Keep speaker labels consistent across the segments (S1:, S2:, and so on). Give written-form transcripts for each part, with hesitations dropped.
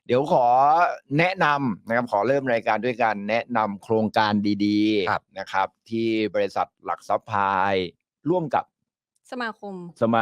S1: เดี๋ยวขอแนะนำนะครับขอเริ่มรายการด้วยการแนะนำโครงการดีๆนะครับที่บริษัทหลักทรัพย์พายร่วมกับ
S2: สมาคม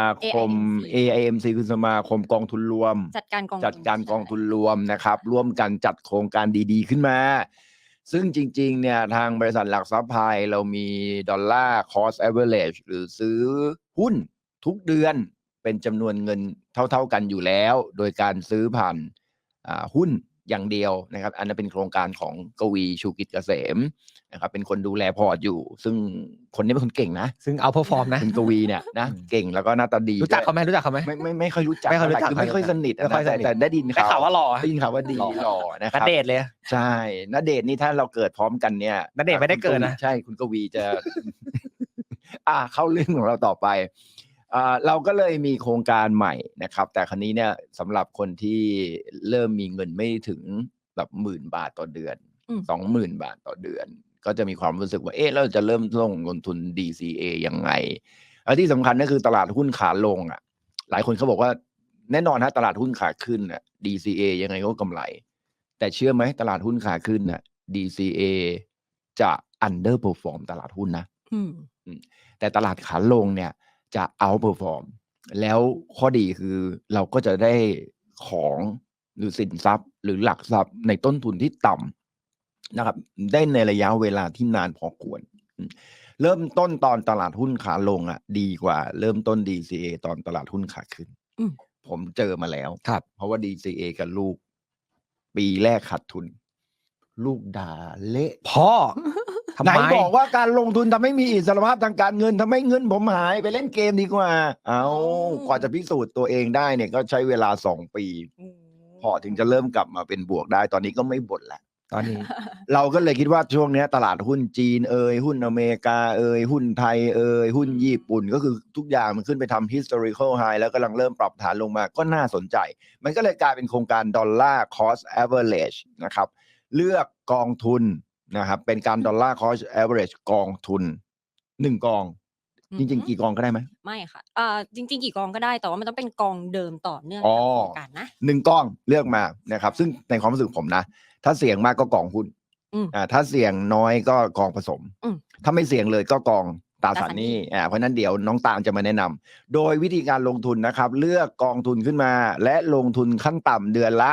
S1: AIMC คือสมาคมกองทุนรวม
S2: จัดการกองทุน
S1: รวมนะครับร่วมกันจัดโครงการดีๆขึ้นมาซึ่งจริงๆเนี่ยทางบริษัทหลักทรัพย์พายเรามีดอลลาร์ cost average หรือซื้อหุ้นทุกเดือนเป็นจำนวนเงินเท่าๆกันอยู่แล้วโดยการซื้อผ่านหุ้นอย่างเดียวนะครับอันนั้นเป็นโครงการของกวีชูกิจเกษมนะครับเป็นคนดูแลพอร์ตอยู่ซึ่งคนนี้เป็นคนเก่งนะ
S3: ซึ่งเอาเพอร์ฟอร์มนะ
S1: คุณกวีเนี่ยนะเก่งแล้วก็หน้าตาดี
S3: รู้จักเขาไหม
S1: ไม่ค่อยรู้จักคือไม่ค่อยสนิทแต่ได้ยินข่าว
S3: ว่าหล่อ
S1: ได้ยินข่าวว่าดีหล่อนะครับ
S3: ณเดชน์เลย
S1: ใช่ณเดชน์นี่ถ้าเราเกิดพร้อมกันเนี่ย
S3: ณเดชน์ไม่ได้เกิดนะ
S1: ใช่คุณกวีจะ เข้าเรื่องของเราต่อไปเราก็เลยมีโครงการใหม่นะครับแต่ครั้นี้เนี่ยสำหรับคนที่เริ่มมีเงินไม่ถึงแบบ10,000 บาทต่อเดือน 20,000 บาทต่อเดือนก็จะมีความรู้สึกว่าเราจะเริ่มลงทุน DCA ยังไงแล้วที่สำคัญก็คือตลาดหุ้นขาลงหลายคนเขาบอกว่าแน่นอนฮะตลาดหุ้นขาขึ้นDCA ยังไงก็กำไรแต่เชื่อไหมตลาดหุ้นขาขึ้นDCA จะ underperform ตลาดหุ้นนะแต่ตลาดขาลงเนี่ยจะ outperform แล้วข้อดีคือเราก็จะได้ของหรือสินทรัพย์หรือหลักทรัพย์ในต้นทุนที่ต่ำนะครับได้ในระยะเวลาที่นานพอควรเริ่มต้นตอนตลาดหุ้นขาลงดีกว่าเริ่มต้น DCA ตอนตลาดหุ้นขาขึ้นผมเจอมาแล้วเพราะว่า DCA กับลูกปีแรกขาดทุนลูกด่าเละ
S3: พ่อ
S1: ไหนบอกว่าการลงทุนทำให้มีอิสรภาพทางการเงินทำให้เงินผมหายไปเล่นเกมดีกว่ากว่าจะพิสูจน์ตัวเองได้เนี่ยก็ใช้เวลา2 ปีพอถึงจะเริ่มกลับมาเป็นบวกได้ตอนนี้ก็ไม่บ่นแล้ว
S3: ตอนนี้
S1: เราก็เลยคิดว่าช่วงนี้ตลาดหุ้นจีนหุ้นอเมริกาหุ้นไทยหุ้นญี่ปุ่นก็คือทุกอย่างมันขึ้นไปทำ historical high แล้วกำลังเริ่มปรับฐานลงมาก็น่าสนใจมันก็เลยกลายเป็นโครงการดอลลาร์ cost average นะครับเลือกกองทุนนะครับเป็นการดอลลาร์ cost average กองทุน1 กองจริงๆกี่กองก็ได้ไหม
S2: ไม่ค่ะจริงๆกี่กองก็ได้แต่ว่ามันต้องเป็นกองเดิมต่อเนื่อง
S1: กับ
S2: โครงการนะ
S1: 1 กองเลือกมานะครับซึ่งในความรู้สึกผมนะถ้าเสี่ยงมากก็กองหุ้นถ้าเสี่ยงน้อยก็กองผสมถ้าไม่เสี่ยงเลยก็กองตราสารหนี้เพราะนั้นเดี๋ยวน้องตาลจะมาแนะนำโดยวิธีการลงทุนนะครับเลือกกองทุนขึ้นมาและลงทุนขั้นต่ำเดือนละ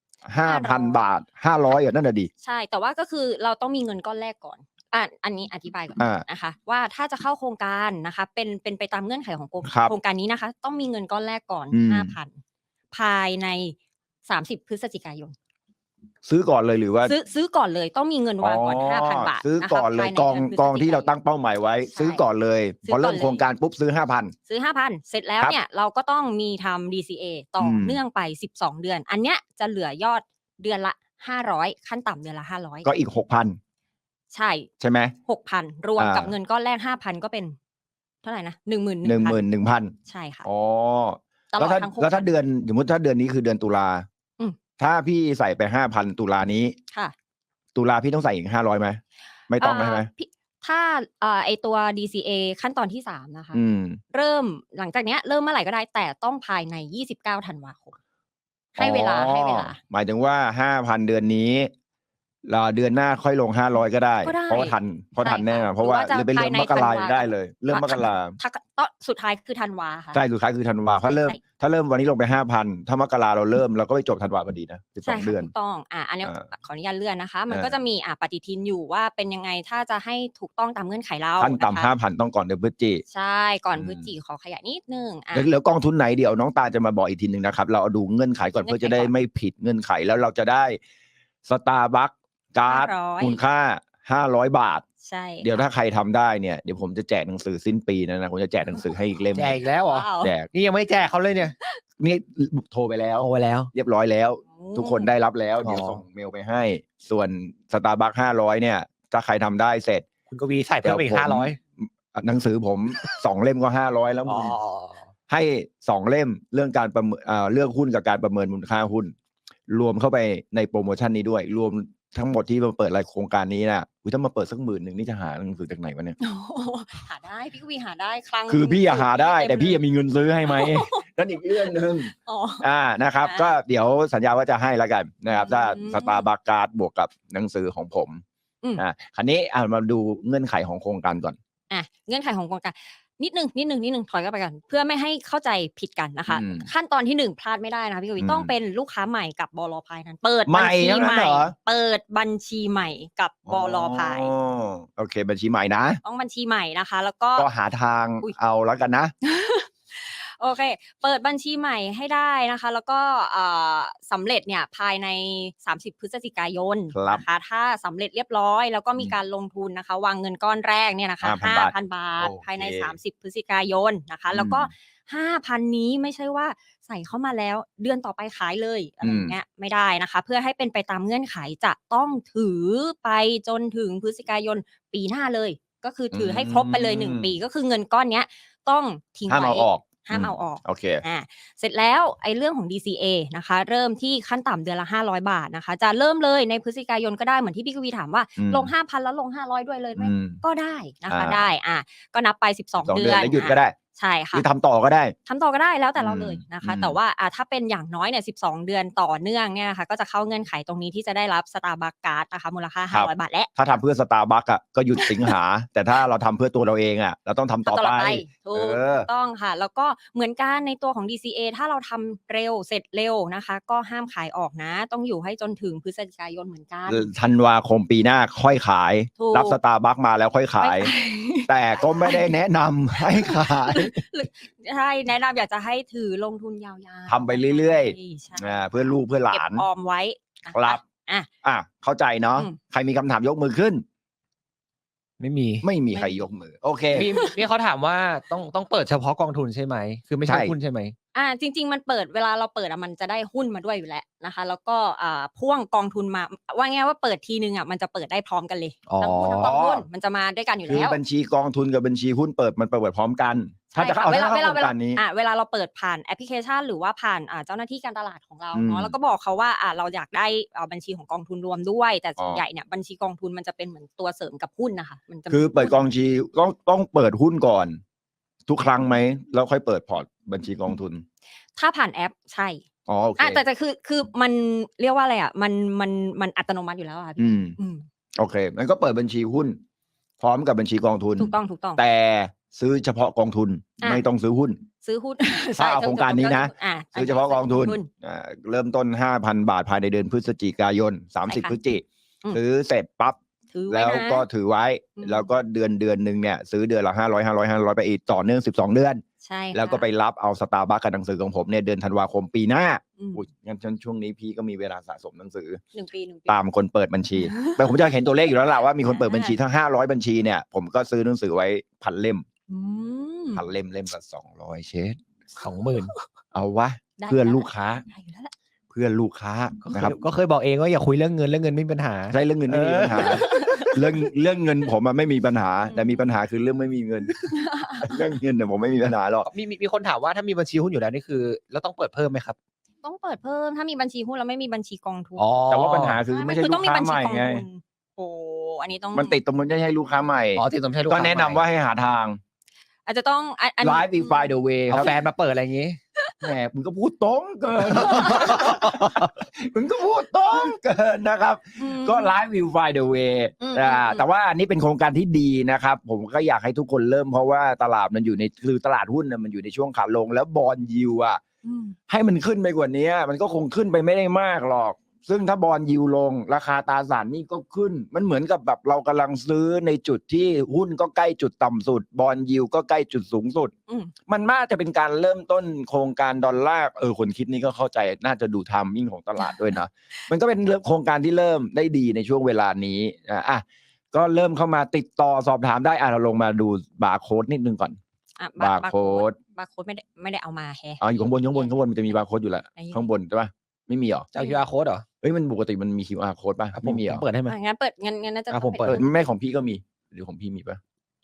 S1: 5,000 บาท500นั่นน่ะดี
S2: ใช่แต่ว่าก็คือเราต้องมีเงินก้อนแรกก่อนอันนี้อธิบายก่อนนะคะว่าถ้าจะเข้าโครงการนะคะเป็นไปตามเงื่อนไขของโครงการนี้นะคะต้องมีเงินก้อนแรกก่อน 5,000 ภายใน30 พฤศจิกายน
S1: ซื้อก่อนเลยหรือว่า
S2: ซื้อก่อนเลยต้องมีเงินวางก่อน 5,000 บาท
S1: ซื้อก่อนเลยกองที่เราตั้งเป้าหมายไว้ซื้อก่อนเลยพอเริ่มโครงการปุ๊บซื้อ 5,000
S2: เสร็จแล้วเนี่ยเราก็ต้องมีทำ DCA ต่อเนื่องไป12 เดือนอันเนี้ยจะเหลือยอดเดือนละ500ขั้นต่ำเดือนละ500
S1: ก็อีก 6,000 ใช่ไหม
S2: 6,000 รวมกับเงินก้อนแรก 5,000 ก็เป็นเท่าไหร่นะ
S1: 11,000
S2: ใช่ค่ะ
S1: แล้วถ้าเดือนสมมติถ้าเดือนนี้คือเดือนตุลาถ้าพี่ใส่ไป 5,000 ตุลานี้ตุลาพี่ต้องใส่อีก500ไหมไม่ต้องใช่ไหม
S2: ถ้าไอตัว DCA ขั้นตอนที่3นะคะเริ่มหลังจากเนี้ยเริ่มเมื่อไหร่ก็ได้แต่ต้องภายใน29 ธันวาคมให้เวลา
S1: หมายถึงว่า 5,000 เดือนนี้เดือนหน้าค่อยลง500ก็ได้เพราะทันแน่เพราะว่าเลยเป็นเรื่องมกราได้เลยเรื่องมกรา
S2: สุดท้ายคือธันวาค่ะ
S1: ใช่สุดท้ายคือธันวาถ้าเริ่มวันนี้ลงไป 5,000 ถ้ามกราเราเริ่มเราก็ไปจบธันวาพอดีนะ12 เดือน
S2: ถูกต้องอันนี้ขออนุญาตเลื่อนนะคะมันก็จะมีปฏิทินอยู่ว่าเป็นยังไงถ้าจะให้ถูกต้องตามเงื่อนไขเรา
S1: ขั้นต่ำ 5,000 ต้องก่อนเดือนพฤศจิ
S2: ใช่ก่อนพฤศจิขอขยายนิดนึง
S1: แล้วกองทุนไหนเดี๋ยวน้องตาจะมาบอกอีกทีนึงนะครับเราเอาดูเงื่อนไขก่อนเพื่อจะได้ไม่ผิดเงื่อนไขแล้วเราจะได้สตาร์บัคการ์ดมูลค่า500 บาท
S2: ใช่
S1: เดี๋ยวถ้าใครทำได้เนี่ยเดี๋ยวผมจะแจกหนังสือสิ้นปีนะผมจะแจกหนังสือให้อีกเล่ม
S3: แจกอีกแล้วเหรอ
S1: แจก
S3: นี่ยังไม่แจกเขาเลยเนี่ย
S1: นี่โทรไปแล้วเรียบร้อยแล้วทุกคนได้รับแล้วเดี๋ยวส่งเมลไปให้ส่วนสตาร์บัค500เนี่ยถ้าใครทำได้เสร็จ
S3: คุณกวีใส่เพิ่มอีก500
S1: หนังสือผม2 เล่มก็500แล้วให้2 เล่มเรื่องการประเมินเลือกหุ้นกับการประเมินมูลค่าหุ้นรวมเข้าไปในโปรโมชั่นนี้ด้วยรวมทั้งหมดที่มาเปิดรายโครงการนี้น่ะถ้ามาเปิดสัก10,000นี่จะหาหนังสือจากไหนวะเนี่ย
S2: โอ้โหหาได้พี่กวีหาได้ครั้ง
S1: คือพี่หาได้แต่พี่
S2: เต็มเลย
S1: มีเงินซื้อให้ไหม นั่นอีกเรื่องหนึ่ง
S2: อ๋อ
S1: นะครับ ก็เดี๋ยวสัญญาว่าจะให้แล้วกันนะครับถ้า
S2: อืม
S1: สตาร์บัคการ์ดบวกกับหนังสือของผม คราวนี้มาดูเงื่อนไขของโครงการก่อน
S2: เงื่อนไขของโครงการนิดนึงถอยกลับไปกันเพื่อไม่ให้เข้าใจผิดกันนะคะ ขั้นตอนที่1พลาดไม่ได้นะพี่กวีต้องเป็นลูกค้าใหม่กับบล.พายนั้นเปิดบัญชีใหม่เปิดบัญชีใหม่กับบล.พาย
S1: โอเคบัญชีใหม่นะ
S2: ต้องบัญชีใหม่นะคะ แล้วก็
S1: หาทางเอาแล้วกันนะ
S2: โอเคเปิดบัญชีใหม่ให้ได้นะคะแล้วก็สำเร็จเนี่ยภายใน30พฤศจิกายนนะคะถ้าสำเร็จเรียบร้อยแล้วก็มีการลงทุนนะคะวางเงินก้อนแรกเนี่ยนะคะ 5,000 บาทภายใน30พฤศจิกายนนะคะแล้วก็ 5,000 นี้ไม่ใช่ว่าใส่เข้ามาแล้วเดือนต่อไปขายเลยอะไรอย่างเงี้ยไม่ได้นะคะเพื่อให้เป็นไปตามเงื่อนไขจะต้องถือไปจนถึงพฤศจิกายนปีหน้าเลยก็คือถือให้ครบไปเลย1ปีก็คือเงินก้อนเนี้ยต้องทิ้งไว้ห้ามเอาออก
S1: โอเค
S2: เสร็จแล้วไอ้เรื่องของ DCA นะคะเริ่มที่ขั้นต่ำเดือนละ500 บาทนะคะจะเริ่มเลยในพฤศจิกายนก็ได้เหมือนที่พี่กวีถามว่าลง 5,000 แล้วลง500ด้วยเลยไหมก็ได้นะคะได้ก็นับไป12 เดือน
S1: แล้วหยุดก็ได้
S2: ใช่ค่ะ
S1: ทำต่อก็ได้
S2: แล้วแต่เราเลยนะคะแต่ว่าถ้าเป็นอย่างน้อยเนี่ย12 เดือนต่อเนื่องเนี่ยนะคะก็จะเข้าเงื่อนไขตรงนี้ที่จะได้รับ Starbucks Card นะคะมูลค่า500 บาทและ
S1: ถ้าทำเพื่อ Starbucks ก็หยุดสิงหา แต่ถ้าเราทำเพื่อตัวเราเองเราต้องทำต่อไป
S2: ถูกต้องค่ะแล้วก็เหมือนกันในตัวของ DCA ถ้าเราทำเร็วเสร็จเร็วนะคะก็ห้ามขายออกนะต้องอยู่ให้จนถึงพฤศจิกายนเหมือนกัน
S1: ธันวาคมปีหน้าค่อยขายรับ Starbucks มาแล้วค่อยขายแต่ก็ไม่ได้แนะนำให้ขาย
S2: ใช่แนะนำอยากจะให้ถือลงทุนยาว
S1: ๆทำไปเรื่อยๆเพื่อลูกเพื่อหลาน
S2: เก็บออมไว้
S1: ครับเข้าใจเนาะใครมีคำถามยกมือขึ้น
S3: ไม่
S1: มีใครยกมือโอเค
S3: พี่เขาถามว่าต้องเปิดเฉพาะกองทุนใช่ไหมคือไม่ใช่หุ้นใช่ไหม
S2: จริงๆมันเปิดเวลาเราเปิดมันจะได้หุ้นมาด้วยอยู่แล้วนะคะแล้วก็พ่วงกองทุนมาว่าง่ายว่าเปิดทีนึงมันจะเปิดได้พร้อมกันเลยทั้งหุ้นทั้งกองทุนมันจะมาด้วยกันอยู่แล้ว
S1: คือบัญชีกองทุนกับบัญชีหุ้นเปิดพร้อมกัน
S2: ถ้าจะเอาเวลาเวลาเราเปิดผ่านแอปพลิเคชันหรือว่าผ่านเจ้าหน้าที่การตลาดของเราเนาะแล้วก็บอกเขาว่าเราอยากได้บัญชีของกองทุนรวมด้วยแต่ส่วนใหญ่เนี่ยบัญชีกองทุนมันจะเป็นเหมือนตัวเสริมกับหุ้นนะคะมันจะ
S1: คือเปิดกองชีต้องเปิดหุ้นก่อนทุกครั้งไหมแล้วค่อยเปิดพอร์ตบัญชีกองทุน
S2: ถ้าผ่านแอปใช่
S1: โอเค
S2: แต่คือมันเรียกว่าอะไรมันอัตโนมัติอยู่แล้วค่ะพี่
S1: โอเคมันก็เปิดบัญชีหุ้นพร้อมกับบัญชีกองทุน
S2: ถูกต้อง
S1: แต่ซื้อเฉพาะกองทุนไม่ต้องซื้อหุ้นถ้าเอาโครงการนี้นะซื้อเฉพาะกองทุนเริ่มต้น 5,000 บาทภายในเดือนพฤศจิกายน30พฤศจิกายนซื้อเสร็จปั๊บแล้วก็ถือไว้แล้วก็เดือนนึงเนี่ยซื้อเดือนละ500ไปอีกต่อเนื่อง12 เดือน
S2: ใช่
S1: แล้วก็ไปรับเอา Starbucks กับหนังสือของผมเนี่ยเดือนธันวาคมปีหน้างั้นช่วงนี้พี่ก็มีเวลาสะสมหนังสือ
S2: 1 ปี
S1: ตามคนเปิดบัญชีแต่ผมจะเห็นตัวเลขอยู่แล้วล่ะว่ามีคนเปิดบัญชีทั้ง500บัญชีเนี่ยผมก็ซื้อหนังสือไว้1,000 เล่ม1,000 เล่มละ200เชด 20,000เอาวะเพื่อนลูกค้านะครับ
S3: ก็เคยบอกเองว่าอย่าคุยเรื่องเงินไม่มีปัญหา
S1: ใช่เรื่องเงินไม่มีปัญหาเรื่องเงินผมไม่มีปัญหาแต่มีปัญหาคือเรื่องไม่มีเงินเรื่องเงินเนี่ยผมไม่มีปัญหาหรอก
S3: มีคนถามว่าถ้ามีบัญชีหุ้นอยู่แล้วนี่คือแล้วต้องเปิดเพิ่มไหมครับ
S2: ต้องเปิดเพิ่มถ้ามีบัญชีหุ้นแล้วไม่มีบัญชีกองทุน
S1: แต่ว่าปัญหาคือไม่ใช่ลูกค้าใหม่ไง
S2: อันนี้ต้อง
S1: มันติดตรงมันไม่ใช่ลูกค้าใหม่
S3: ติดตรงใช่ลูกค้า
S1: ก็แนะนำว่าให้หาทาง
S2: อาจจะต้อง
S1: Live we find the way
S3: เอาแฟนมาเปิดอะไรอย่างงี้
S1: แหมมึงก็พูดตรงเกินนะครับ ก็ Live will find the way แต่ว่าอันนี้เป็นโครงการที่ดีนะครับผมก็อยากให้ทุกคนเริ่มเพราะว่าตลาดมันอยู่ในคือตลาดหุ้นมันอยู่ในช่วงขาลงแล้วบอนด์ยิลด์ให้มันขึ้นไปกว่านี้มันก็คงขึ้นไปไม่ได้มากหรอกซึ่งถ้าบอนด์ยิลด์ลงราคาตราสารหนี้ก็ขึ้นมันเหมือนกับแบบเรากำลังซื้อในจุดที่หุ้นก็ใกล้จุดต่ำสุดบอนด์ยิลด์ก็ใกล้จุดสูงสุดมันน่าจะเป็นการเริ่มต้นโครงการดอลลาร์คนคิดนี้ก็เข้าใจน่าจะดูไทมิ่งของตลาดด้วยนะมันก็เป็นโครงการที่เริ่มได้ดีในช่วงเวลานี้ก็เริ่มเข้ามาติดต่อสอบถามได้เราลงมาดูบาร์โค้ดนิดนึงก่อนบาร์โค้ด
S2: ไม่ได้เอามาแฮะ
S1: อยู่ข้างบนมันจะมีบาร์โค้ดอยู่แล้วข้างบนใช่ป่ะไม่มีหรอ
S3: จะ QR code เหรอ
S1: มันปกติมันมี QR code ป่ะไม่มีหรอ
S3: เปิดให้มัน
S2: งั้นเปิดงั้นน่าจะ
S3: ผมเปิด
S1: แม่ของพี่ก็มีหรือของพี่มีป่ะ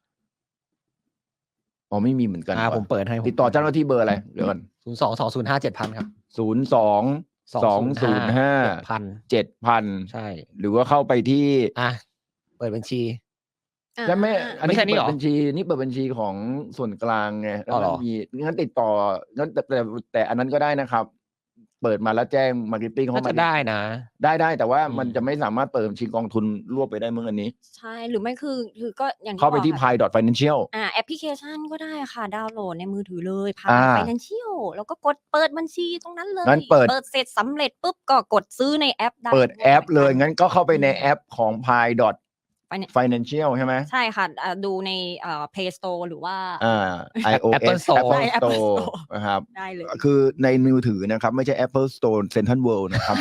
S1: ไม่มีเหมือนกัน
S3: ผมเปิดให้
S1: ติดต่อเจ้าหน้าที่เบอร์อะไรเดี๋ยวก่อน
S3: 022057,000ครับ
S1: 205 7,000
S3: ใช่
S1: หรือว่าเข้าไปที่
S3: เปิดบัญชี
S1: ใช่ไหมอันนี้
S3: ไม่ใช่นี่
S1: เปิ
S3: หร
S1: ด
S3: อ
S1: บัญชีนี่เปิดบัญชีของส่วนกลางไงแล้ว
S3: อ๋อเหร
S1: มัน
S3: อ
S1: มีงั้นติดต่องั้นแต่อันนั้นก็ได้นะครับ เปิดมาแล้วแจ้งมาร์เก็ตติ้งเข้า
S3: น่า
S1: มา
S3: จะได้นะ
S1: ได้แต่ว่า
S3: อืม
S1: มันจะไม่สามารถเปิดบัญชีกองทุนรวบไปได้มึงอันนี้
S2: ใช่หรือไม่คือก็อย่างที่
S1: เข้าไป
S2: บอก
S1: ที่
S2: ค่ะ
S1: pi.financial
S2: แอปพลิเคชันก็ได้ค่ะ ดาวน์โหลดในมือถือเลย
S1: อ่า
S2: Pi Financial แล้วก็กดเปิดบัญชีตรงนั้นเลย
S1: งั้นเปิด
S2: เสร็จสำเร็จปุ๊บก็กดซื้อในแอปได้
S1: เปิดแอปเลย งั้นก็เข้าไปใน
S2: อืม
S1: แอปของ pi.financial ใช่ไหม
S2: ใช่ค่ะดูในPlay Store หรือว่า
S1: iOS
S3: Apple Store
S1: Apple
S2: ใช่ Apple
S1: Store
S2: Store
S1: นะครับ
S2: ได้เลย
S1: คือในมือถือนะครับ ไม่ใช่ Apple Store Central World นะครับ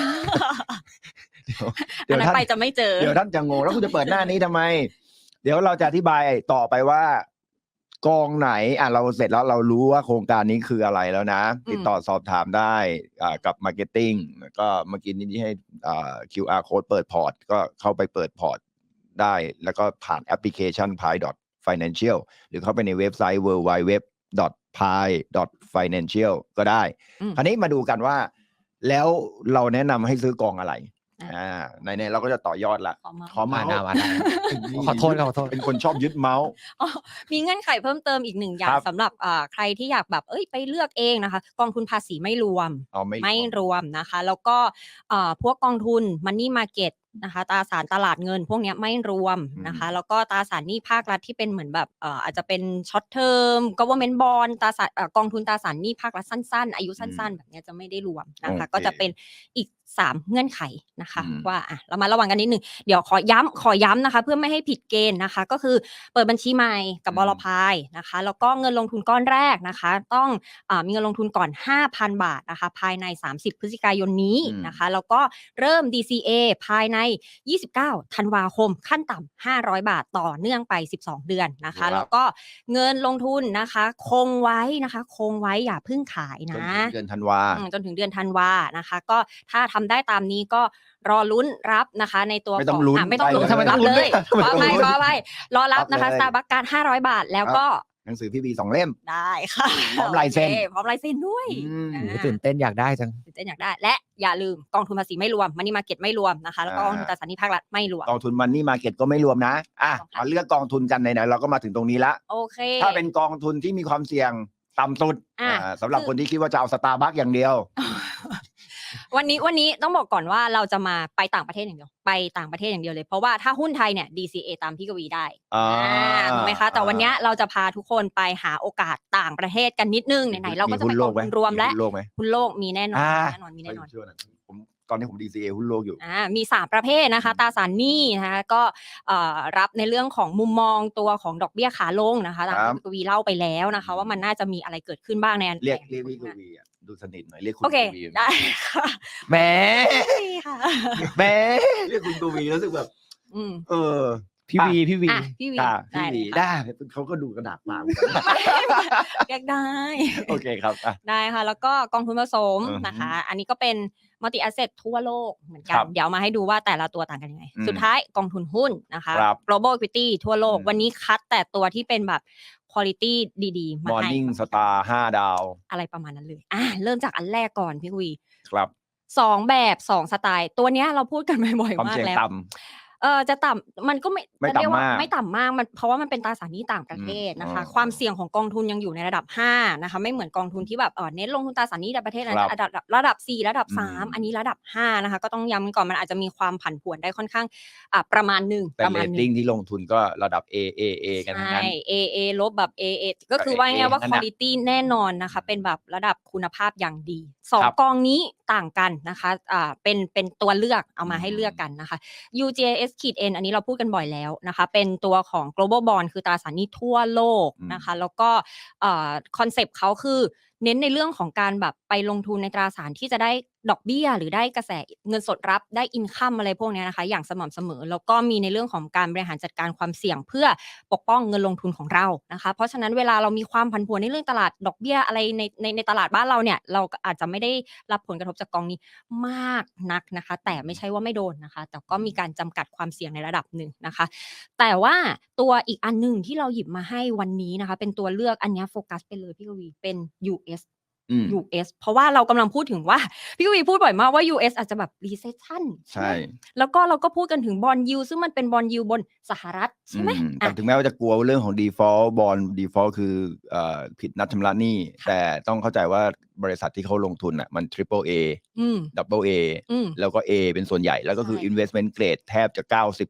S2: อันนั้น
S1: ท่าน
S2: ไปจะไม่เจอ
S1: เดี๋ยวท่านจะงงแล้วคุณจะเปิดหน้านี้ทำไม เดี๋ยวเราจะอธิบายต่อไปว่ากองไหนเราเสร็จแล้วเรารู้ว่าโครงการนี้คืออะไรแล้วนะ ติดต่อสอบถามได้กับ Marketing แล้วก็เมื่อกี้นี้ให้QR code เปิดพอร์ตก็เข้าไปเปิดพอร์ตได้แล้วก็ผ่านแอปพลิเคชัน pi.financial หรือเข้าไปในเว็บไซต์ www.pi.financial ก็ได้ คราวนี้มาดูกันว่าแล้วเราแนะนำให้ซื้อกองอะไรในเราก็จะต่อยอดละขอเมาส์
S3: มาขอโทษ
S1: เป็นคนชอบยึดเมาส์
S2: มีเงื่อนไขเพิ่มเติมอีกหนึ่งอย่า
S1: ค
S2: ง
S1: รับ
S2: สำหรับใครที่อยากแบบไปเลือกเองนะคะกองทุนภาษีไม่รวม ไม่รวมนะคะ แล้วก็พวกกองทุน Money Market นะคะตราสารตลาดเงินพวกเนี้ยไม่รวมนะคะ แล้วก็ตราสารหนี้ภาครัฐที่เป็นเหมือนแบบอาจจะเป็นช็อตเทอม government bond ตราสารกองทุนตราสารหนี้ภาครัฐสั้นๆอายุสั้นๆแบบเนี้ยจะไม่ได้รวมนะคะ ก็จะเป็นอีก3เงื่อนไขนะคะว่าเรามาระวังกันนิดนึงเดี๋ยวขอย้ำนะคะเพื่อไม่ให้ผิดเกณฑ์นะคะก็คือเปิดบัญชีใหม่กับบลพายนะคะแล้วก็เงินลงทุนก้อนแรกนะคะต้องมีเงินลงทุนก่อน 5,000 บาทนะคะภายใน30พฤศจิกายนนี้นะคะแล้วก็เริ่ม DCA ภายใน29ธันวาคมขั้นต่ำ500 บาทต่อเนื่องไป12เดือนนะคะแล้วก็เงินลงทุนนะคะคงไว้อย่าเพิ่งขายนะ
S1: จนถึงเดือนธันวา
S2: จนถึงเดือนธันวานะคะก็ถ้าทำได้ตามนี้ก็รอลุ้นรับนะคะในตัว
S1: ไม่ต้องลุ้น
S2: ไม่ต้องลุ้น
S1: ทำไมต้องลุ้น
S2: เลย
S1: ไม่ต้องลุ้น
S2: ขอไปรอรับนะคะ
S1: รับเลย
S2: สตาร์บัคการ500 บาทแล้วก็
S1: หนังสือพี่บี2 เล่ม
S2: ได้ค่ะ
S1: พร้อมลายเซ็น
S2: โอคพร้อมลายเซ็นด้วย
S3: ตื่นเต้นอยากได้จัง
S2: ตื่นเต้นอยากได้และอย่าลืมกองทุนภาษีไม่รวมมันนี่มาเก็ตไม่รวมนะคะแล้วก็กองทุนตราสารหนี้ภาครัฐไม่รวม
S1: กองทุนมันนี่มาเก็ตก็ไม่รวมนะมาเลือกกองทุนกันไหนๆเราก็มาถึงตรงนี้ละ
S2: โอเค
S1: ถ้าเป็นกองทุนที่มีความเสี่ยงต่ำสุดสำหรับคนที่คิดว่าจะเอาสตาร์บัคอย่างเดียว
S2: วันนี้ต้องบอกก่อนว่าเราจะมาไปต่างประเทศอย่างเดียวเลยเพราะว่าถ้าหุ้นไทยเนี่ย DCA ตามพี่กวีได้ถูกไหมคะแต่วันนี้เราจะพาทุกคนไปหาโอกาสต่างประเทศกันนิดนึงไหนๆเราก็จะไปกองทุนรวมและหุ้นโลกมีแน่นอน
S1: ผมตอนนี้ผม DCA หุ้นโลกอยู่
S2: มี3ประเภทนะคะตราสารหนี้นะคะก็รับในเรื่องของมุมมองตัวของดอกเบี้ยขาลงนะคะตามที่พี่กวีเล่าไปแล้วนะคะว่ามันน่าจะมีอะไรเกิดขึ้นบ้างใน
S1: เรียกพี่กวีดูสนิทหน่อยเรียกคุณ
S2: โอเค
S1: กวี
S2: ได้ค่ะ
S1: แหม
S2: ค่ะ
S1: แหมเรียกคุณกวีรู้สึกแบบ
S3: พี่วี
S2: พี่วี
S1: ได้เขาก็ดูกระดาษเปล่า
S2: เรียกได้
S1: โอเคครับ
S2: ได้ค่ะแล้วก็กองทุนผสมนะคะอันนี้ก็เป็นมัลติแอสเซททั่วโลกเหมือนกันเดี๋ยวมาให้ดูว่าแต่ละตัวต่างกันยังไงสุดท้ายกองทุนหุ้นนะคะ global equity ทั่วโลกวันนี้คัดแต่ตัวที่เป็นแบบ quality ดีๆมาให้
S1: Morning Star 5 ดาว
S2: อะไรประมาณนั้นเลยเริ่มจากอันแรกก่อนพี่วี
S1: ครับ
S2: 2แบบ2สไตล์ตัวเนี้ยเราพูดกันบ่อยๆมากแล้วจะต่ำมันก็ไม่เรียกว่าไม่ต่ำมากมันเพราะว่ามันเป็นตราสารหนี้ต่างประเทศนะคะความเสี่ยงของกองทุนยังอยู่ในระดับ5นะคะไม่เหมือนกองทุนที่แบบเน้นลงทุนตราสารหนี้ในประเทศนั้นระดับ4ระดับ3อันนี้ระดับ5นะคะก็ต้องย้ำก่อนมันอาจจะมีความผันผวนได้ค่อนข้างประมาณนึง
S1: แต่เรตติ้งที่ลงทุนก็ระดับ AAA กันทั้งนั้น
S2: AA ลบแบบ AA ก็คือว่าไงว่า quality แน่นอนนะคะเป็นแบบระดับคุณภาพอย่างดี2กองนี้ต่างกันนะคะเป็นตัวเลือกเอามาให้เลือกกันนะคะ UGS-N อันนี้เราพูดกันบ่อยแล้วนะคะเป็นตัวของ global bond คือตราสารหนี้ทั่วโลกนะคะแล้วก็คอนเซปต์เขาคือเน้นในเรื่องของการแบบไปลงทุนในตราสารที่จะได้ดอกเบี้ยหรือได้กระแสเงินสดรับได้อินคัมอะไรพวกนี้นะคะอย่างสม่ำเสมอแล้วก็มีในเรื่องของการบริหารจัดการความเสี่ยงเพื่อปกป้องเงินลงทุนของเรานะคะเพราะฉะนั้นเวลาเรามีความผันผวนในเรื่องตลาดดอกเบี้ยอะไรในตลาดบ้านเราเนี่ยเราอาจจะไม่ได้รับผลกระทบจากกองนี้มากนักนะคะแต่ไม่ใช่ว่าไม่โดนนะคะแต่ก็มีการจำกัดความเสี่ยงในระดับหนึ่งนะคะแต่ว่าตัวอีกอันนึงที่เราหยิบมาให้วันนี้นะคะเป็นตัวเลือกอันนี้โฟกัสไปเลยพี่กวีเป็น US US เพราะว่าเรากำลังพูดถึงว่าพี่กวีพูดบ่อยมากว่า US อาจจะแบบ recession
S1: ใช่
S2: แล้วก็เราก็พูดกันถึงบอนด์ยิลด์ซึ่งมันเป็นบอนด์ยิลด์บนสหรัฐใช่ไหม
S1: แต่ถึงแม้ว่าจะกลัวเรื่องของ default bond default คือผิดนัดชำระหนี้แต่ต้องเข้าใจว่าบริษัทที่เขาลงทุนอ่ะมัน triple A double A แล้วก็ A เป็นส่วนใหญ่แล้วก็คือ investment grade แทบจะ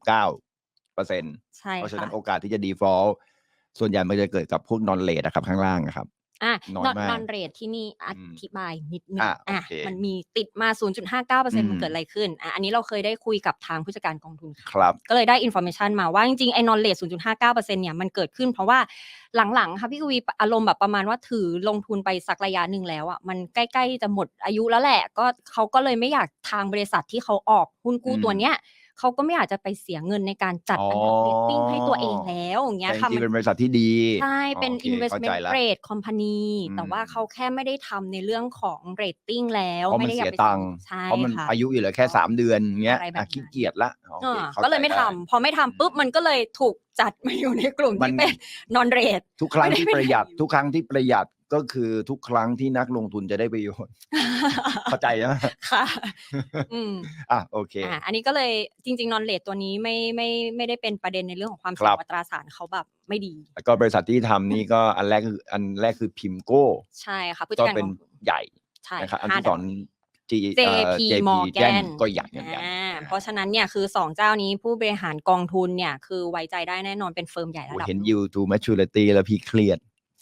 S1: 99%
S2: ใช่ค่ะ
S1: เพราะฉะนั้นโอกาสที่จะ default ส่วนใหญ่มันจะเกิดกับพวก non rate นะครับข้างล่างนะครับน้อยมาก
S2: non rate ที่นี่อธิบายนิดนึงมันมีติดมา 0.59% มันเกิดอะไรขึ้นอันนี้เราเคยได้คุยกับทางผู้จัดการกองทุน
S1: ครับ
S2: ก็เลยได้ information มาว่าจริงๆไอ้ non rate 0.59% เนี่ยมันเกิดขึ้นเพราะว่าหลังๆค่ะพี่กวีอารมณ์แบบประมาณว่าถือลงทุนไปสักระยะหนึ่งแล้วอ่ะมันใกล้ๆจะหมดอายุแล้วแหละก็เขาก็เลยไม่อยากทางบริษัทที่เขาออกหุ้นกู้ตัวเนี้ยเขาก็ไม่อยากจะไปเสียเงินในการจัดอันดับเรตติ้งให้ตัวเองแล้วอย่างเงี้ยค่ะ
S1: จริงๆเป็นบริษัทที่ดี
S2: ใช่เป็น investment grade company แต่ว่าเขาแค่ไม่ได้ทำในเรื่องของเรตติ้งแล้ว
S1: เพราะมันเสียตังค์เพราะมันอายุอยู่เหลือแค่3เดือนเงี้ยขี้เกียจละ
S2: ก็เลยไม่ทำพอไม่ทำปุ๊บมันก็เลยถูกจัดมาอยู่ในกลุ่มที่เป็น non rate
S1: ทุกครั้งที่ประหยัดก็คือทุกครั้งที่นักลงทุนจะได้ประโยชน์ เข้าใจไหม
S2: ค่ะ
S1: โอเค
S2: อันนี้ก็เลยจริงๆ non rate ตัวนี้ไม่ได้เป็นประเด็นในเรื่องของความเสี่ยงอัตราสารเขาแบบไม่ดี
S1: แล้วก็บริษัทที่ทำนี่ก็อันแรกคือพิมโก้
S2: ใช่ค่ะ
S1: ก็เป็นใหญ่นะครับอันที่สอง
S2: JP Morgan
S1: ก็ใหญ่เหมือนกัน
S2: เพราะฉะนั้นเนี่ยคือ2เจ้านี้ผู้บริหารกองทุนเนี่ยคือไว้ใจได้แน่นอนเป็นเฟิร์มใหญ่ระดับ
S1: เห็น yield to maturity แล้วพี่เครียด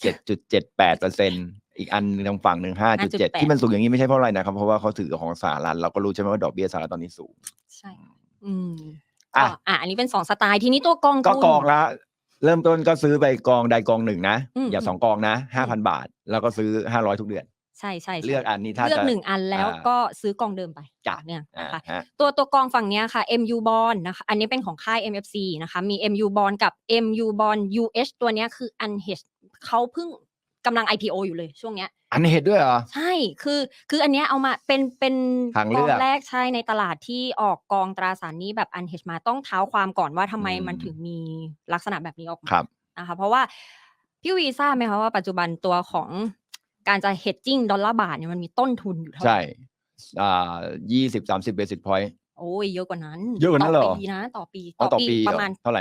S1: 7.78% อีกอันทางฝั่งหนึ่ง 5.7 ที่มันสูงอย่างนี้ไม่ใช่เพราะอะไรนะครับเพราะว่าเขาถือของสหรัฐเราก็รู้ใช่ไหมว่าดอกเบี้ยสหรัฐตอนนี้สูง
S2: ใช่อันนี้เป็น2สไตล์ทีนี้ตัวกองทุน
S1: ก็กองละเริ่มต้นก็ซื้อไปกองใดกองหนึ่งนะอย่า2กองนะ 5,000 บาทแล้วก็ซื้อ500ทุกเดือน
S2: ใช่
S1: เลือกอันนี้ถ้า
S2: เลือก1อันแล้วก็ซื้อกองเดิมไปเนี่ยนะคะตัวกองฝั่งนี้ค่ะ MU Bond นะคะอันนี้เป็นของค่าย MFC นะคะมี MU Bond กับ MU Bond UH ตัวนี้คือ unhedged เขาเพิ่งกำลัง IPO อยู่เลยช่วงเนี้ย
S1: unhedged ด้วยเหรอ
S2: ใช่คืออันเนี้ยเอามาเป็นกองแรกใช่ในตลาดที่ออกกองตราสารหนี้แบบ unhedged มาต้องเท้าความก่อนว่าทำไมมันถึงมีลักษณะแบบนี้ออกมานะคะเพราะว่าพี่วีทราบไหมคะว่าปัจจุบันตัวของการจะ hedging ดอลลาร์บาทเนี่ยมันมีต้นทุนอยู่เท่าไหร่
S1: ใช่20-30 basis point
S2: โอ้ยเยอะกว่านั้น
S1: เหรอ
S2: ต่อปี
S1: ประมาณ
S2: เท่าไหร่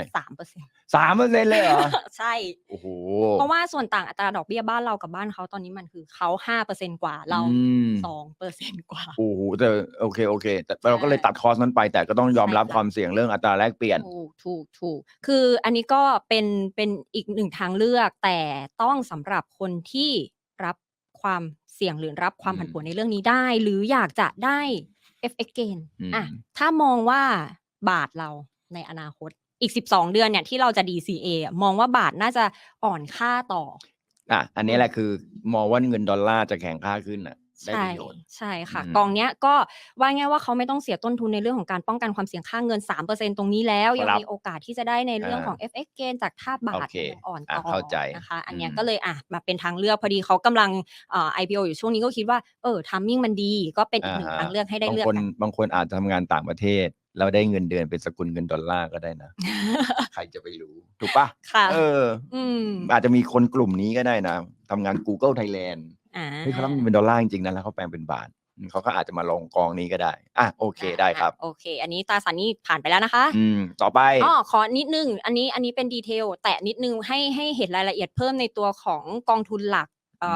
S1: 3% เลยเหรอ
S2: ใช่
S1: โอ้โห
S2: เพราะว่าส่วนต่างอัตราดอกเบี้ยบ้านเรากับบ้านเขาตอนนี้มันคือเขา 5% กว่าเรา 2% กว่า
S1: โอ้โหแต่โอเคแต่เราก็เลยตัดคอสนั้นไปแต่ก็ต้องยอมรับความเสี่ยงเรื่องอัตราแลกเปลี่ยน
S2: ถูกคืออันนี้ก็เป็นอีกหนึ่งทางเลือกแต่ต้องสำหรับคนที่รับความเสี่ยงหรือรับความผันผวนในเรื่องนี้ได้หรืออยากจะได้ FX gain ถ้ามองว่าบาทเราในอนาคตอีก12เดือนเนี่ยที่เราจะ DCA มองว่าบาทน่าจะอ่อนค่าต่อ
S1: อันนี้แหละคือมองว่าเงินดอลลาร์จะแข็งค่าขึ้นได้ประโยชน์
S2: ใช่ค่ะกองเนี้ยก็ว่าง่ายว่าเขาไม่ต้องเสียต้นทุนในเรื่องของการป้องกันความเสี่ยงค่าเงิน 3% ตรงนี้แล้วยังมีโอกาสที่จะได้ในเรื่องของ FX gain จากท่าบาทอ่อนต่อนะคะอันเนี้ยก็เลยมาเป็นทางเลือกพอดีเขากำลังIPO อยู่ช่วงนี้ก็คิดว่าtiming มันดีก็เป็นอีกหนึ่งทางเลือกให้ได้เลือก
S1: บางคนอาจจะทำงานต่างประเทศแล้วได้เงินเดือนเป็นสกุลเงินดอลลาร์ก็ได้นะ ใครจะไปรู้ถูกปะอาจจะมีคนกลุ่มนี้ก็ได้นะทำงาน Google Thailand เขาต้องเป็นดอลลาร์จริงๆนะแล้วเขาแปลงเป็นบาทเขาก็อาจจะมาลงกองนี้ก็ได้โอเคได้ครับ
S2: โอเคอันนี้ตราสารนี้ผ่านไปแล้วนะคะ
S1: ต่อไป
S2: ขอนิดนึงอันนี้เป็นดีเทลแต่นิดนึงให้เห็นรายละเอียดเพิ่มในตัวของกองทุนหลัก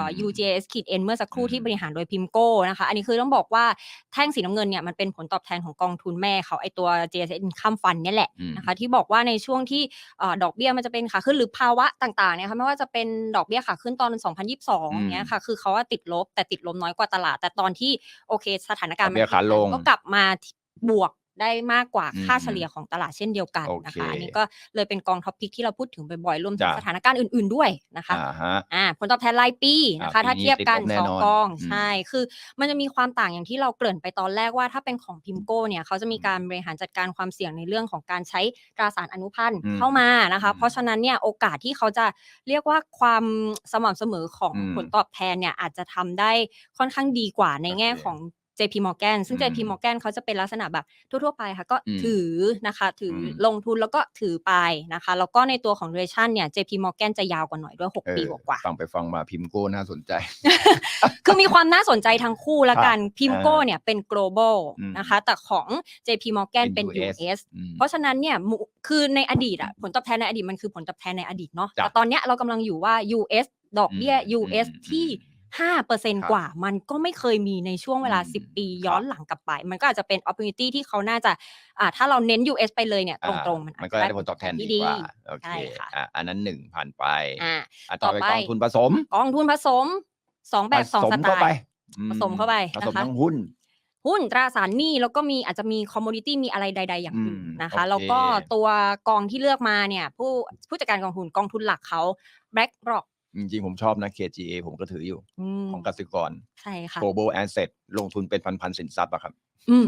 S2: UJS-N เมื่อสักครู่ที่บริหารโดยพิมโก้นะคะอันนี้คือต้องบอกว่าแท่งสีน้ำเงินเนี่ยมันเป็นผลตอบแทนของกองทุนแม่เขาไอตัว JSN Income Fund เนี่ยแหละนะคะที่บอกว่าในช่วงที่ดอกเบี้ยมันจะเป็นขาขึ้นหรือภาวะต่างๆเนี่ยค่ะไม่ว่าจะเป็นดอกเบี้ยขาขึ้นตอน2022เนี้ยค่ะคือเขาติดลบแต่ติดลบน้อยกว่าตลาดแต่ตอนที่โอเคสถานการณ์มันก็กลับมาบวกได้มากกว่าค่าเฉลี่ยของตลาดเช่นเดียวกันนะคะอันนี้ก็เลยเป็นกองท็อปพิกที่เราพูดถึงบ่อยๆรวมถึงสถานการณ์อื่นๆด้วยนะคะผลตอบแทนรายปีนะคะถ้าเทียบกัน2กองใช่คือมันจะมีความต่างอย่างที่เราเกริ่นไปตอนแรกว่าถ้าเป็นของพิมโก้เนี่ยเขาจะมีการบริหารจัดการความเสี่ยงในเรื่องของการใช้ตราสารอนุพันธ์เข้ามานะคะเพราะฉะนั้นเนี่ยโอกาสที่เขาจะเรียกว่าความสม่ำเสมอของผลตอบแทนเนี่ยอาจจะทำได้ค่อนข้างดีกว่าในแง่ของ JP Morgan ซึ่ง JP Morgan เขาจะเป็นลักษณะแบบทั่วๆไปค่ะก็ถือนะคะถือลงทุนแล้วก็ถือไปนะคะแล้วก็ในตัวของ duration เนี่ย JP Morgan จะยาวกว่าหน่อยด้วย6 ปีกว่าๆ
S1: ฟังไปฟังมาพิมโก้น่าสนใจ
S2: คือมีความน่าสนใจทั้งคู่ละกันพิมโก้เนี่ยเป็น global นะคะแต่ของ JP Morgan เป็น US เพราะฉะนั้นเนี่ยคือในอดีตผลตอบแทนในอดีตมันคือผลตอบแทนในอดีตเนาะแต่ตอนเนี้ยเรากำลังอยู่ว่า US ดอกเบี้ย US ที่ 5% กว่ามันก็ไม่เคยมีในช่วงเวลา10 ปีย้อนหลังกลับไปมันก็อาจจะเป็น opportunity ที่เขาน่าจะถ้าเราเน้น US ไปเลยเนี่ยตรงๆมัน
S1: ก็ได้ผลตอบแทนดีกว่าโอเคอันนั้น1ผ่านไปต่อไปกองทุนผสม
S2: 2แบบ2สไตล์ผสมเข้าไป
S1: ผสมทั้งหุ้น
S2: ตราสารหนี้แล้วก็มีอาจจะมีคอมโมดิตี้มีอะไรใดๆอย่างอื่นนะคะแล้วก็ตัวกองที่เลือกมาเนี่ยผู้จัดการกองทุนหลักเขา BlackRock
S1: จริงๆผมชอบนะ KGA ผมก็ถืออยู่ของกสิกร
S2: ใช่ค่ะ
S1: Global Asset ลงทุนเป็นพันๆสินทรัพย์อะครับ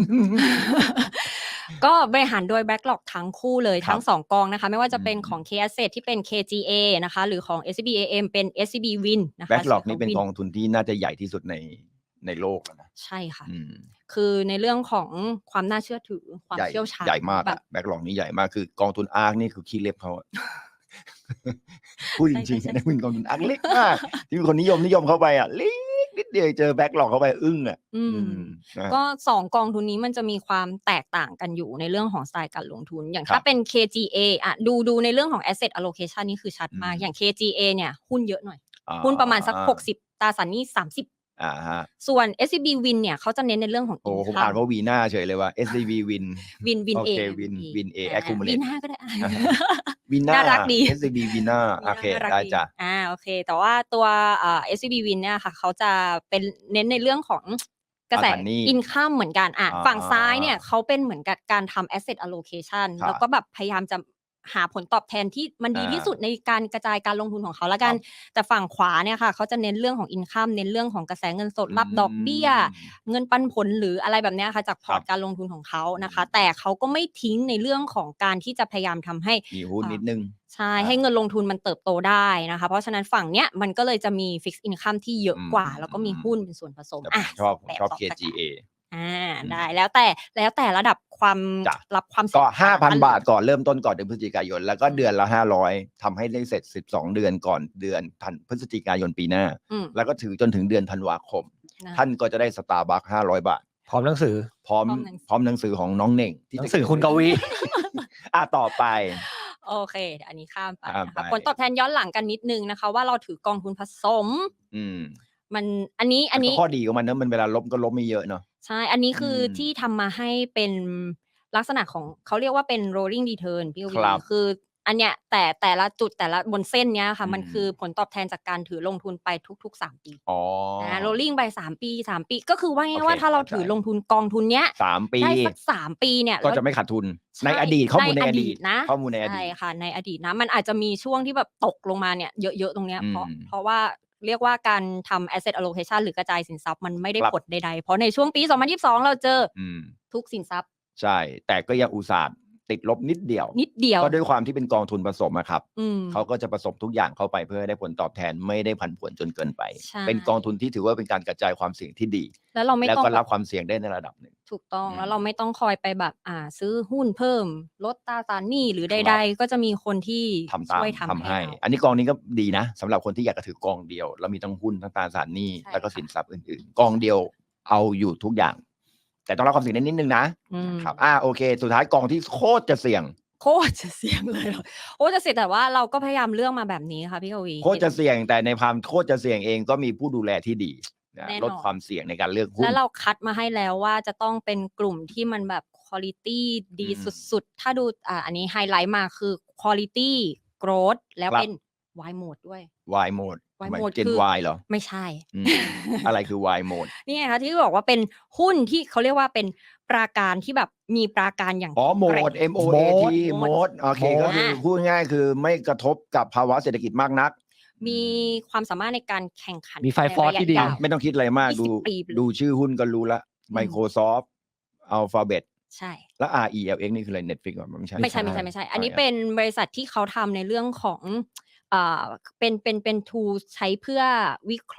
S2: ก็บริหารโดย BlackRock ทั้งคู่เลยทั้ง2กองนะคะไม่ว่าจะเป็นของ K Asset ที่เป็น KGA นะคะหรือของ SCBAM เป็น SCB Win นะคะ
S1: BlackRock นี่เป็นกองทุนที่น่าจะใหญ่ที่สุดในโลกนะ
S2: ใช่ค่ะคือในเรื่องของความน่าเชื่อถือความเชี่ยวชาญ
S1: ใหญ่มากแบ็คล็อกนี่ใหญ่มากคือกองทุนอาร์คนี่คือขี้เล็บเขาพูดจริงๆนะเป็นกองทุนอาร์คเล็กมากที่มีคนนิยมเข้าไปเล็กนิดเดียวเจอแบ็คล็อกเข้าไปอึ้ง
S2: ก็2กองทุนนี้มันจะมีความแตกต่างกันอยู่ในเรื่องของสไตล์การลงทุนอย่างถ้าเป็น KGA ดูในเรื่องของ asset allocation นี่คือชัดมากอย่าง KGA เนี่ยหุ้นเยอะหน่อยหุ้นประมาณสัก60ตราสารหนี้30ส่วน SCB Win เนี่ยเขาจะเน้นในเรื่องของ
S1: income ผมอ่านว่าวีน่าเฉยเลยว่า SCB Win
S2: Win A
S1: Win A accumulate
S2: วีน่าก็ได้
S1: วีน่า
S2: น่ารักดี
S1: SCB วีน่าโอเคได้จ้ะ
S2: โอเคแต่ว่าตัวSCB Win เนี่ยค่ะเขาจะเป็นเน้นในเรื่องของกระแส income เหมือนกันฝั่งซ้ายเนี่ยเขาเป็นเหมือนกับการทำ asset allocation แล้วก็แบบพยายามจะหาผลตอบแทนที่มันดีที่สุดในการกระจายการลงทุนของเขาละกันแต่ฝั่งขวาเนี่ยค่ะเขาจะเน้นเรื่องของ income เน้นเรื่องของกระแสเงินสดรับดอกเบี้ยเงินปันผลหรืออะไรแบบนี้ค่ะจากพอร์ตการลงทุนของเขานะคะแต่เขาก็ไม่ทิ้งในเรื่องของการที่จะพยายามทำให้
S1: มีหุ้นนิดนึง
S2: ใช่ให้เงินลงทุนมันเติบโตได้นะคะเพราะฉะนั้นฝั่งเนี้ยมันก็เลยจะมี fixed income ที่เยอะกว่าแล้วก็มีหุ้นเป็นส่วนผสม
S1: ชอบ KGA
S2: ได้แล้วแต่ระดับความรับความ
S1: ก็ 5,000 บาทก่อนเริ่มต้นก่อนเดือนพฤศจิกายนแล้วก็เดือนละ500ทำให้ได้เสร็จ12เดือนก่อนเดือนพฤศจิกายนปีหน้าแล้วก็ถือจนถึงเดือนธันวาคมท่านก็จะได้สตาร์บัค500 บาท
S3: พร้อมหนังสือ
S1: พร้อมหนังสือของน้องเน่ง
S3: หนังสือคุณกวี
S1: ต่อไป
S2: โอเคอันนี้ข้ามไปนะคะผลตอบแทนย้อนหลังกันนิดนึงนะคะว่าเราถือกองทุนผสมมันอันนี้
S1: ข้อดีของมันนะมันเวลาลบก็ลบไม่เยอะเนาะ
S2: ใช่อันนี้คือที่ทำมาให้เป็นลักษณะของเขาเรียกว่าเป็น rolling return พี่วีคืออันเนี้ยแต่ละจุดแต่ละบนเส้นเนี้ยค่ะมันคือผลตอบแทนจากการถือลงทุนไปทุกๆ3ปีrolling ไป3 ปีก็คือว่าไงว่าถ้าเราถือลงทุนกองทุนเนี้ย
S1: 3 ปี
S2: ได้สัก3 ปีเนี่ย
S1: ก็จะไม่ขาดทุนในอดีตข้อมูลในอดีต
S2: นะ
S1: ข้อมูลในอดีต
S2: ใช่ค่ะในอดีตนะมันอาจจะมีช่วงที่แบบตกลงมาเนี่ยเยอะๆตรงเนี้ยเพราะว่าเรียกว่าการทำ asset allocation หรือกระจายสินทรัพย์มันไม่ได้ผลใดๆเพราะในช่วงปี2022เราเจอทุกสินทรัพย์
S1: ใช่แต่ก็ยังอุตส่าห์ติดลบนิดเดียวก็ด้วยความที่เป็นกองทุนผสมครับเขาก็จะผสมทุกอย่างเข้าไปเพื่อให้ได้ผลตอบแทนไม่ได้ผันผวนจนเกินไปเป็นกองทุนที่ถือว่าเป็นการกระจายความเสี่ยงที่ดีแล้วก็รับความเสี่ยงได้ในระดับหนึ่ง
S2: ถูกต้องแล้วเราไม่ต้องคอยไปแบบซื้อหุ้นเพิ่มลดตราสารหนี้หรือใดๆก็จะมีคนที่ช่วยทำให้
S1: อันนี้กองนี้ก็ดีนะสำหรับคนที่อยากจะถือกองเดียวแล้วมีทั้งหุ้นทั้งตราสารหนี้แล้วก็สินทรัพย์อื่นๆกองเดียวเอาอยู่ทุกอย่างแต่ต้องรับความเสี่ยงนิดนึงนะครับโอเคสุดท้ายกองที่โคตรจะเสี่ยง
S2: เลยโอ้จะเสี่ยงแต่ว่าเราก็พยายามเลือกมาแบบนี้ค่ะพี่กวี
S1: โคตรจะเสี่ยงแต่ในความโคตรจะเสี่ยงเองก็มีผู้ดูแลที่ดีลดความเสี่ยงในการเลือกหุ้น
S2: แล้วเราคัดมาให้แล้วว่าจะต้องเป็นกลุ่มที่มันแบบคุณภาพดีสุดๆถ้าดูอันนี้ไฮไลท์มาคือคุณภาพ growth แล้วเป็น Y mode ด้วย
S1: Y mode
S2: เจน
S1: Y เหรอ
S2: ไม่ใช่
S1: อะไรคือ Y mode
S2: นี่ไงคะที่บอกว่าเป็นหุ้นที่เขาเรียกว่าเป็นปราการที่แบบมีปราการอย่าง
S1: mode MOAT mode โอเคก็คือพูดง่ายคือไม่กระทบกับภาวะเศรษฐกิจมากนัก
S2: มีความสามารถในการแข่งขัน
S3: มีไฟฟอร์ที่ดี
S1: ไม่ต้องคิดอะไรมากดูชื่อหุ้นก็รู้ละ Microsoft Alphabet
S2: ใช่
S1: แล้ว RELX นี่คืออะไร Netflix อ่ะไม่ใช่
S2: อันนี้เป็นบริษัทที่เขาทำในเรื่องของเป็น tool ใช้เพื่อวิเคราะห์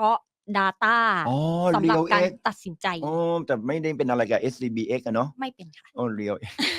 S2: data
S1: อ๋อ
S2: สำหรับ
S1: Real
S2: การ
S1: X
S2: ตัดสินใจ
S1: อ๋อแต่ไม่ได้เป็นอะไรกับ SCBX อะเนาะ
S2: ไม่เป็นค่ะ
S1: อ๋อ Real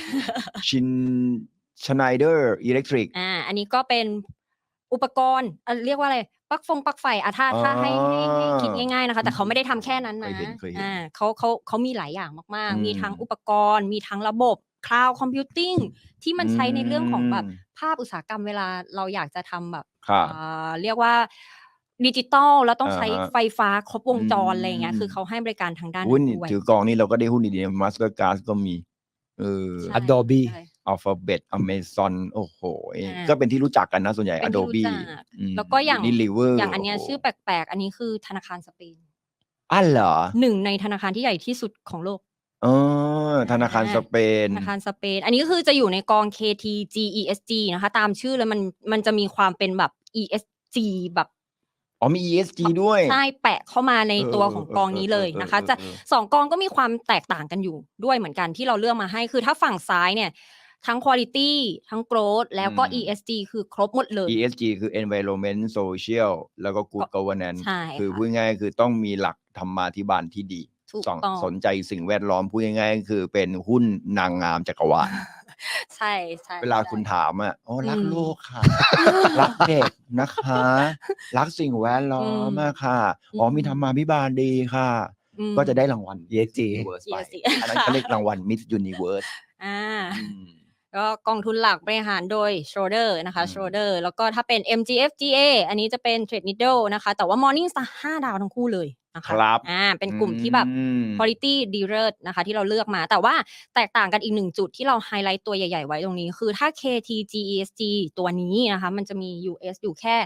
S1: Schneider Electric
S2: อันนี้ก็เป็นอุปกรณ์เรียกว่าอะไรปลั๊กไฟถ้าให้คิดง่ายๆนะคะแต่เขาไม่ได้ทำแค่นั้นนะ
S1: เคยเห็น
S2: เขามีหลายอย่างมาก
S1: อืม
S2: ๆมีทั้งอุปกรณ์มีทั้งระบบ cloud computing ที่มันใช้ในเรื่องของแบบภาพอุตสาหกรรมเวลาเราอยากจะทำแบบ
S1: ครับ
S2: เรียกว่าดิจิตอลแล้วต้องใช้
S1: อ่าฮะ
S2: ไฟฟ้าครบวงจร
S1: อืม
S2: อะไรอย่างเงี้ยคือเขาให้บริการทางด้าน
S1: หุ้น
S2: นั้นด้วย
S1: ถือกองนี้เราก็ได้หุ้นดีๆ Mastercard ก็มี
S2: ใช่
S3: Adobe
S2: ใช่
S1: Alphabet Amazon โอ้โห
S2: อ่า
S1: ก็เป็นที่รู้จักกันนะส่วนใหญ่
S2: เป็นที่รู้
S1: Adobe
S2: จักแล้วก็อย่าง
S1: Unilever
S2: อย่างอันเนี้ย
S1: โโห
S2: ชื่อแปลกๆ อันนี้คือธนาคารสเปน
S1: อ้าวเหรอ
S2: หนึ่งในธนาคารที่ใหญ่ที่สุดของโลก
S1: อ๋อธนาคารสเปน
S2: ธนาคารสเปน อันนี้ก็คือจะอยู่ในกอง KTGESG นะคะ ตามชื่อเลยมันจะมีความเป็นแบบ ESG แบบ
S1: อ๋อมี ESG ด้วย
S2: ใช่แปะเข้ามาในตัวของกองนี้เลยนะคะจะ2กองก็มีความแตกต่างกันอยู่ด้วยเหมือนกันที่เราเลือกมาให้คือถ้าฝั่งซ้ายเนี่ยทั้ง quality ทั้ง growth แล้วก็ ESG คือครบหมดเลย
S1: ESG คือ environment social แล้วก็ good governance
S2: ใช่
S1: คือ
S2: ค่ะ
S1: พูดง่ายๆคือต้องมีหลักธรรมาภิบาลที่ดี
S2: ถูกต้อง
S1: สนใจสิ่งแวดล้อมพูดง่ายๆคือเป็นหุ้นนางงามจักรวาล
S2: ใช่ใช่
S1: เวลาคุณถามอ่ะโอ้รัก
S2: อืม
S1: โลกค่ะ รักเด็กนะคะ รักสิ่งแวดล้อมอะค่ะ อ๋อมีธรรมาภิบาลดีค่ะ
S2: อืม
S1: ก็จะได้รางวัล
S3: ESG
S1: Universe ไป
S2: ESG
S1: อันนั้นเขาเรียกรางวัล Miss Universe
S2: อ่า
S1: อืม
S2: ก็กองทุนหลักบริหารโดย Schroder นะคะ Schroder แล้วก็ถ้าเป็น MGFGA อันนี้จะเป็น Trade Needle นะคะ แต่ว่า Morningstar 5 ดาวทั้งคู่เลยนะคะ
S1: ครับ
S2: เป็นกลุ่มที่แบบ quality ดีเลิศนะคะที่เราเลือกมา แต่ว่าแตกต่างกันอีกหนึ่งจุดที่เราไฮไลท์ตัวใหญ่ๆไว้ตรงนี้ คือถ้า KTGESG ตัวนี้นะคะมันจะมี US อยู่แค่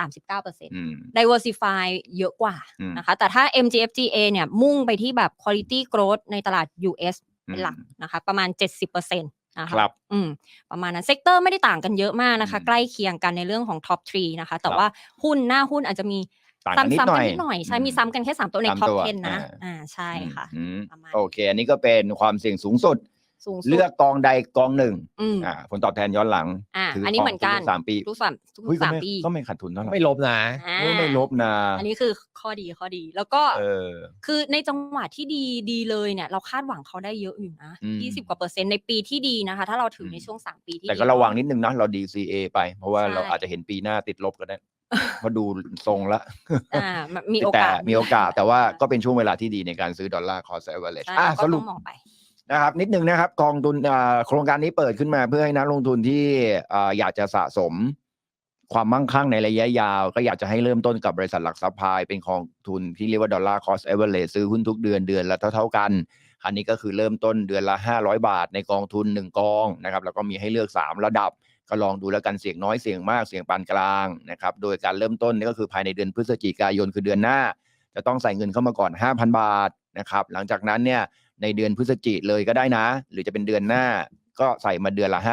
S2: 39% diversify เยอะกว่านะคะแต่ถ้า MGFGA เนี่ยมุ่งไปที่แบบ quality growth ในตลาด US เป็นหลักนะคะประมาณ 70%นะคะประมาณนั้นเซกเตอร์ไม่ได้ต่างกันเยอะมากนะคะใกล้เคียงกันในเรื่องของ top 3นะคะแต่ว่าหุ้นหน้าหุ้นอาจจะมีซ้ำกันนิดหน่อยใช่มีซ้ำกันแค่3ตัวใน top 10 นะใช่ค่ะ
S1: โอเคอันนี้ก็เป็นความเสี่ยงสูงสุดเลือกกองใดกองหนึ่งผลตอบแทนย้อนหลัง
S2: อันนี้เหมือนกัน
S1: 3 ปี
S2: ทุก3 ปี
S1: ก็ไม่ขาดทุนเท่าไหร่
S3: ไม่ลบนะ
S1: ไม่ลบนะ
S2: อันนี้คือข้อดีแล้วก็คือในจังหวะที่ดีเลยเนี่ยเราคาดหวังเขาได้เยอะอยู่นะ20 กว่า%ในปีที่ดีนะคะถ้าเราถือในช่วง3 ปีที่ดี
S1: แต่ก็ระวังนิดนึงนะเรา DCA ไปเพราะว่าเราอาจจะเห็นปีหน้าติดลบก็ได้เพราะดูทรงละ
S2: มีโอกาส
S1: แต่ว่าก็เป็นช่วงเวลาที่ดีในการซื้อดอลลาร์ cost average สรุป
S2: มองไป
S1: นะครับนิดนึงนะครับกองทุนโครงการนี้เปิดขึ้นมาเพื่อให้นักลงทุนที่อยากจะสะสมความมั่งคั่งในระยะยาวก็อยากจะให้เริ่มต้นกับบริษัทหลักทรัพย์พายเป็นกองทุนที่เรียกว่าดอลลาร์ cost average ซื้อหุ้นทุกเดือนละเท่ากันอันนี้ก็คือเริ่มต้นเดือนละ500 บาทในกองทุน1กองนะครับแล้วก็มีให้เลือก3ระดับก็ลองดูแล้วกันเสี่ยงน้อยเสี่ยงมากเสี่ยงปานกลางนะครับโดยการเริ่มต้นนี่ก็คือภายในเดือนพฤศจิกายนคือเดือนหน้าจะต้องใส่เงินเข้ามาก่อน 5,000 บาทนะครับหลังจากนั้นเนี่ยในเดือนพฤศจิกเลยก็ได้นะหรือจะเป็นเดือนหน้าก็ใส่มาเดือนละ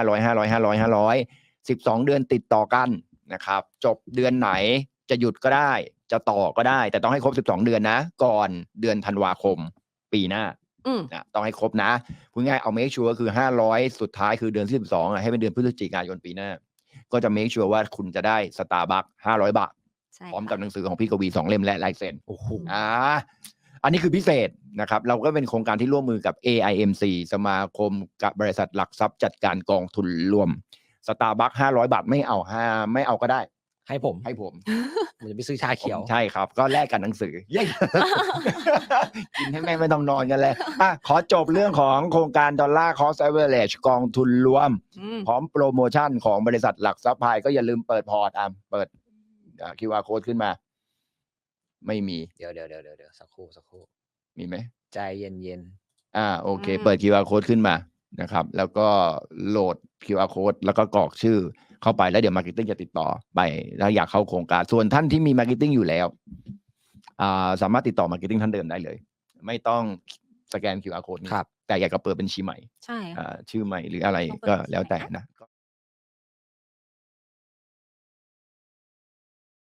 S1: 500 12 เดือนติดต่อกันนะครับจบเดือนไหนจะหยุดก็ได้จะต่อก็ได้แต่ต้องให้ครบ12 เดือนนะก่อนเดือนธันวาคมปีหน้าต้องให้ครบนะพูดง่ายเอา make sure ก็คือ500สุดท้ายคือเดือนที่12ให้เป็นเดือนพฤศจิกายนปีหน้าก็จะ make sure ว่าคุณจะได้ Starbucks 500 บาทพร้อมกับหนังสือของพี่กวี2 เล่มและลายเซ็นโอ้โหอันนี้คือพิเศษนะครับเราก็เป็นโครงการที่ร่วมมือกับ AIMC สมาคมกับบริษัทหลักทรัพย์จัดการกองทุนรวม Starbucks 500 บาทไม่เอาก็ได้ให้ผมผมจะไปซื้อชาเขียวใช่ครับก็แลกกันหนังสือเย้ กินให้แม่ไม่ต้องนอนกันเลยขอจบเรื่องของโครงการดอลลาร์ cost average กองทุนรวมพร้อมโปรโมชั่นของบริษัทหลักทรัพย์พายก็อย่าลืมเปิดพอร์ตเปิดQR code ขึ้นมาไม่มี
S3: เดี๋ยวสักครู่
S1: มีไหม
S3: ใจเย็น
S1: โอเคเปิด QR code ขึ้นมานะครับแล้วก็โหลด QR code แล้วก็กรอกชื่อเข้าไปแล้วเดี๋ยว Marketing จะติดต่อไปถ้าอยากเข้าโครงการส่วนท่านที่มี Marketing อยู่แล้วสามารถติดต่อ Marketing ท่านเดิมได้เลยไม่ต้องสแกน QR code ครับแต่อยากจะเปิดบัญชีใหม่
S2: ใช่
S1: ชื่อใหม่หรืออะไรก็แล้วแต่นะ